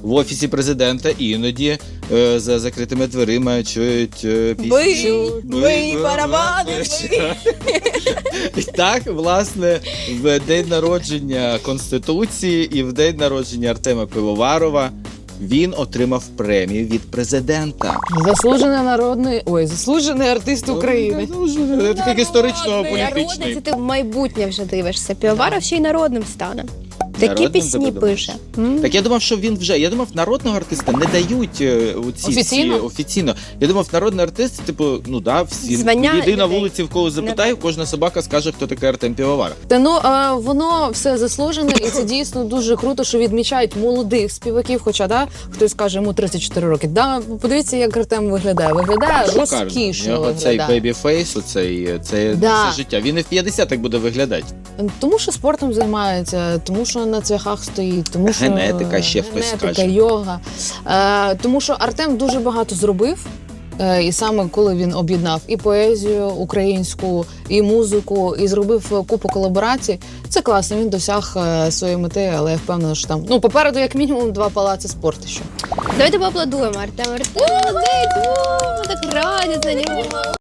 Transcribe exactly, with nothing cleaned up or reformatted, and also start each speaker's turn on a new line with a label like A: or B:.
A: в Офісі президента іноді е, за закритими дверима чують е, пісню.
B: Бий, бий, барабани,
A: І так, власне, в день народження Конституції і в день народження Артема Пивоварова він отримав премію від президента.
B: Заслужений народний, ой, заслужений артист України.
A: Це такий історично-політичний.
C: Народний, це ти в майбутнє вже дивишся. Півоваров ще й народним стане. Такі
A: Народним
C: пісні
A: тебе
C: пише. М.
A: Так я думав, що він вже. Я думав, народного артиста не дають е, у ці
B: Офіційно?
A: Ці, офіційно. Я думав, народний артист, типу, ну да, всі
C: Звання
A: йди на
C: людей.
A: вулиці, в кого запитаю, кожна собака скаже, хто такий Артем Пивоваров.
B: Та ну а, воно все заслужене, і це дійсно дуже круто, що відмічають молодих співаків. Хоча да, хтось каже, йому тридцять чотири роки. Да, подивіться, як Артем виглядає. Виглядає
A: Шикарно.
B: розкішно.
A: У нього цей
B: виглядає.
A: бейбі-фейс, оцей, це
B: Да.
A: все життя. Він і в п'ятдесят так буде виглядати.
B: Тому що спортом займається, тому що на цвяхах стоїть, тому що
A: Генетика, ще хтось
B: генетика,
A: скаже.
B: йога. Е, тому що Артем дуже багато зробив. Е, І саме коли він об'єднав і поезію українську, і музику, і зробив купу колаборацій, це класно. Він досяг е, своєї мети, але я впевнена, що там ну попереду як мінімум два палаци спорту. Ще
C: Давайте поаплодуємо Артему. Артем, молодець, о, ми так раді за нього.